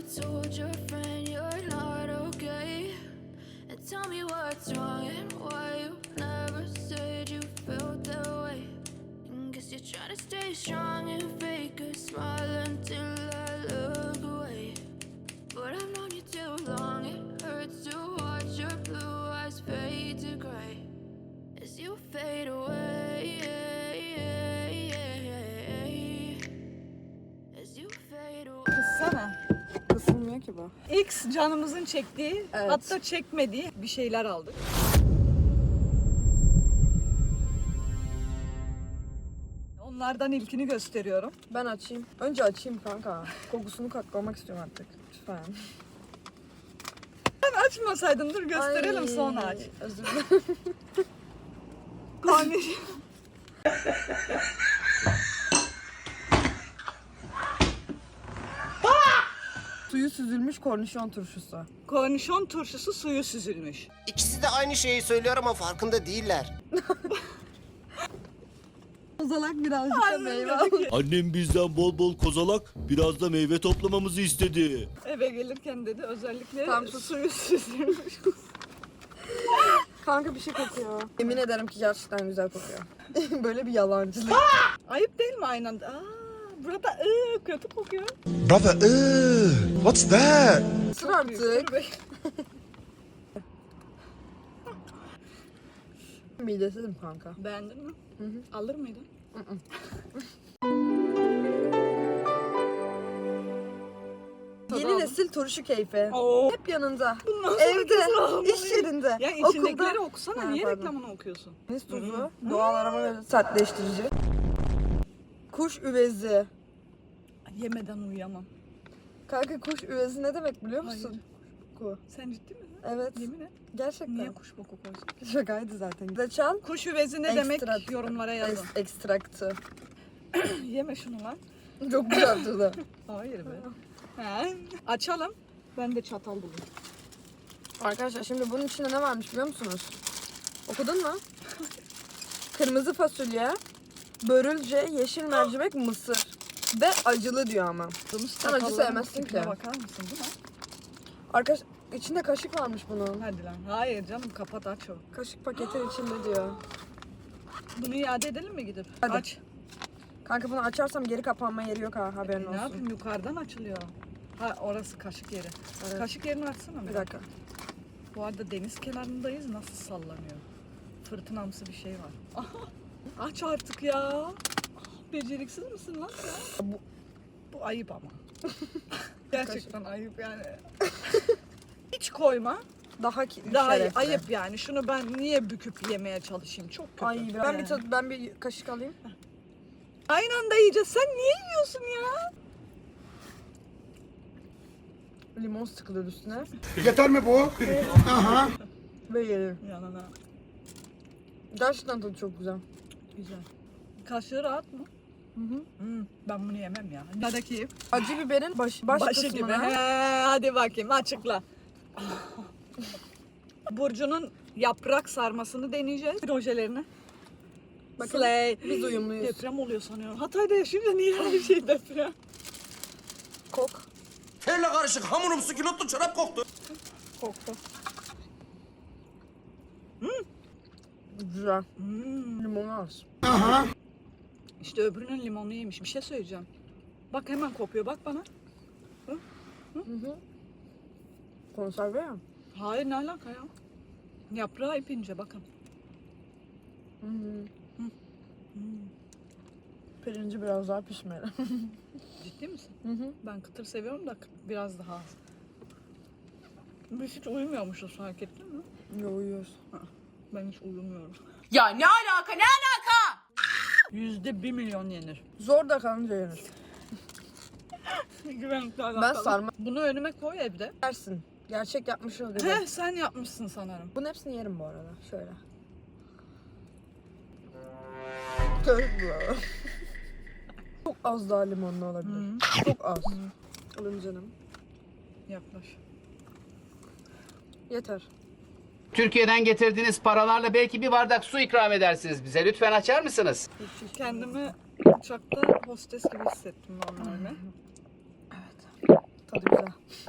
told your friend you're not okay? And tell me what's wrong and why you never said you felt that way. And guess you're trying to stay strong and fake a smile until I look away. But I've known you too long, it hurts to watch your blue eyes fade to gray as you fade away. As you fade away. Kızsana. Kısılmıyor ki bu. X canımızın çektiği, Evet. hatta çekmediği bir şeyler aldık. Onlardan ilkini gösteriyorum. Ben açayım. Önce açayım kanka. Kokusunu koklamak istiyorum artık. Lütfen. Ben açmasaydın, dur gösterelim Ay, sonra aç. Özür dilerim. Kardeşim. Suyu süzülmüş kornişon turşusu. Kornişon turşusu suyu süzülmüş. İkisi de aynı şeyi söylüyor ama farkında değiller. Kozalak birazcık da meyve. Annem bizden bol bol kozalak, biraz da meyve toplamamızı istedi. Eve gelirken dedi özellikle Tam sus. suyu süzülmüş. Kanka bir şey kokuyor. Yemin ederim ki gerçekten güzel kokuyor. Böyle bir yalancılık. Ayıp değil mi aynı anda? Burada kötü kokuyor. Brother, what's that? Sır artık. Midesizim kanka. Beğendin mi? Alır mıydın? Yeni nesil turşu keyfi. Oo. Hep yanında. Bundan sonra kesin Evde, almalıyım. iş yerinde, Ya okulda. içindekileri okusana. Ha, Niye pardon. reklamını okuyorsun? Deniz tuzu, doğal aroma ve sertleştirici. Kuş üvezi. Yemeden uyuyamam. Kanka kuş üvezi ne demek biliyor musun? Hayır. Ku. Sen ciddi misin? Evet. Yemin et. Gerçekten. Niye kuş boku koysun? Şakaydı zaten. Reçel. Kuş üvezi ne demek? Ekstrat. Yorumlara yazın. Ekstraktı. Yeme şunu lan. Çok güzel tadı. Hayır be. He. Açalım. Ben de çatal bulayım. Arkadaşlar şimdi bunun içinde ne varmış biliyor musunuz? Okudun mu? Kırmızı fasulye, börülce, yeşil mercimek, mısır. Ve acılı diyor ama. Sen acı sevmezsin ki. Bakar mısın bu ne? Arkadaş içinde kaşık varmış bunun. Hadi lan. Hayır canım, kapat aç o. Kaşık paketin içinde diyor. Bunu iade edelim mi gidip? Hadi. Aç. Kanka bunu açarsam geri kapanma yeri yok ha, haberin Ne olsun. yapayım, yukarıdan açılıyor. Ha, orası kaşık yeri. Evet. Kaşık yerini açsana. Bir dakika. Bu arada deniz kenarındayız, nasıl sallanıyor. Fırtınamsı bir şey var. Aha, aç artık ya. Beceriksiz misin lan sen? Bu ayıp ama. Gerçekten ayıp yani. Hiç koyma. Daha Daha şerefli. ayıp yani. Şunu ben niye büküp yemeye çalışayım? Çok kötü. Ay ben bir kaşık alayım. Aynı anda yiyeceğiz. Sen niye yiyorsun ya? Limon sıkılır üstüne Yeter mi bu? Aha. ve yerim. Yanına. Gerçekten tadı çok güzel. Güzel. Kaşığı rahat mı? Ben bunu yemem ya. Neredeki? Acı biberin baş Başı gibi. kısmına. He, hadi bakayım açıkla. Burcu'nun yaprak sarmasını deneyeceğiz. Projelerini. Bakın Slay. biz uyumluyuz. Deprem oluyor sanıyorum. Hatay'da yaşayınca niye her şey deprem? Kok. Terle karışık hamurumsu kilotlu çorap koktu. Koktu. Güzel. Limonu az. İşte öbürünün limonlu yemiş. Bir şey söyleyeceğim. Bak hemen kopuyor. Bak bana. Konserve ya. Hayır, ne alaka ya? Yaprağı ipince bakın. Pirinci biraz daha pişmeli. Ciddi misin? Ben kıtır seviyorum da biraz daha az. Biz hiç uyumuyormuşuz, fark ettin mi? Yo, uyuyoruz. Ben hiç uyumuyorum. Ya ne alaka, ne alaka? %1 milyon yenir. Zor da kalınca yenir. Güvenlikle Ben alakalı. sarma Bunu önüme koy evde. yersin. Gerçek yapmış ol gibi. Heh, sen yapmışsın sanırım. Bunun hepsini yerim bu arada. Şöyle. Çok az daha limonlu olabilir. Çok az. Alın canım. Yaklaş. Yeter. Türkiye'den getirdiğiniz paralarla belki bir bardak su ikram edersiniz bize. Lütfen açar mısınız? Kendimi uçakta hostes gibi hissettim normalde. Tadı güzel. Ara.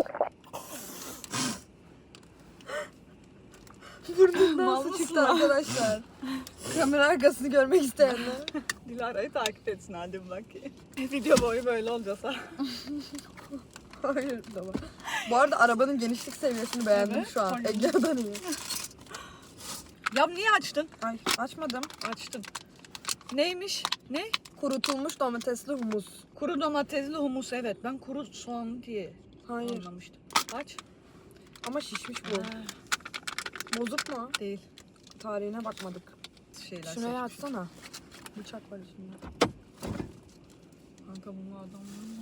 Burnundan Mal su mısın çıktı lan? arkadaşlar. Kamera arkasını görmek isteyenler. Dilara'yı takip etsin hadi bakayım. Video boyu böyle olacağız ha. Hayır tamam. Bu arada arabanın genişlik seviyesini beğendim Evet, şu an. hangi- Ege'den iyi. Ya niye açtın? Ay açmadım. Açtın. Neymiş? Ne? Kurutulmuş domatesli humus. Kuru domatesli humus, evet. Ben kuru soğan diye Hayır. anlamıştım. Aç. Ama şişmiş bu. Bozuk mu? Değil. Tarihine bakmadık. Şeyler Şuraya seçmiş. açsana. Bıçak var içinde. Kanka bunu adam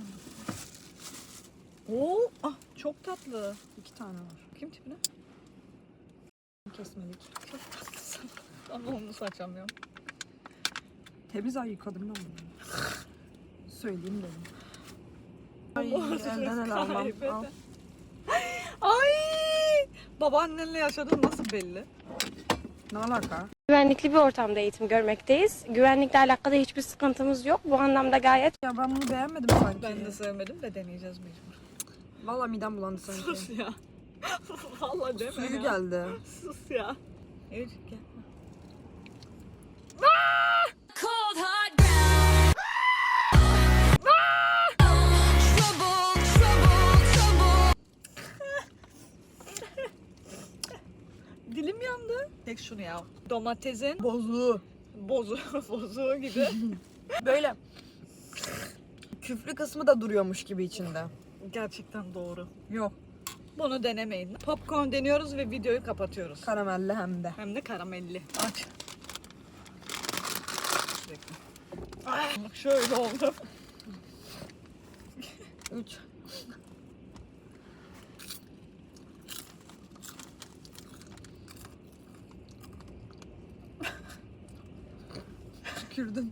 Oo, ah çok tatlı. 2 tane var. Kim tipine? Kesmedik. Çok tatlısın. Ama humus açamıyorum. Temiz ay yıkadım ben bunu. Söyleyeyim dedim. Ay Humus elden el almam. kaybeden. Al. Ay! Babaannenle yaşadığın nasıl belli? Ne alaka? Güvenlikli bir ortamda eğitim görmekteyiz. Güvenlikle alakalı hiçbir sıkıntımız yok. Bu anlamda gayet Ya ben bunu beğenmedim sanki. Ben de sevmedim de deneyeceğiz mecbur. Valla midem bulandı sanki. Sus ya. Vallahi deme Suyu ya. geldi. Sus ya. Evet gel. Cold hard ground. Trouble, trouble, trouble. Dilim yandı. Tek şunu ya. Domatesin Bozuğu. bozuğu gibi. Böyle küflü kısmı da duruyormuş gibi içinde. Gerçekten doğru. Yok. Bunu denemeyin. Popcorn deniyoruz ve videoyu kapatıyoruz. Karamelli hem de. Hem de karamelli. Aç. Sürekli. Bak şöyle oldu. 3. Tükürdüm.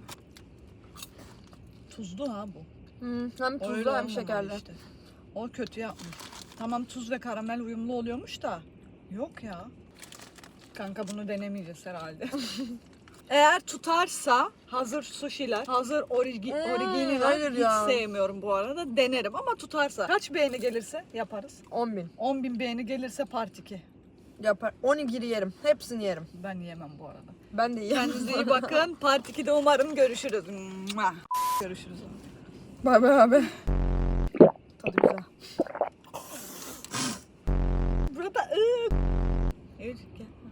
Tuzlu ha bu. Hem tuzlu Öyle hem olmamalı şekerli. işte. O kötü yapmış. Tamam tuz ve karamel uyumlu oluyormuş da. Yok ya. Kanka bunu denemeyeceğiz herhalde. Eğer tutarsa hazır sushi'ler, hazır originiler hayır hiç ya. sevmiyorum bu arada. Denerim ama tutarsa. Kaç beğeni gelirse yaparız. 10.000. 10.000 beğeni gelirse part 2. Yapar. 12'yi yerim. Hepsini yerim. Ben yemem bu arada. Ben de yerim. Kendinize iyi bakın. Part 2'de umarım görüşürüz. Mua. Görüşürüz. Bay bay abi. Tadı güzel. Burada evet gel.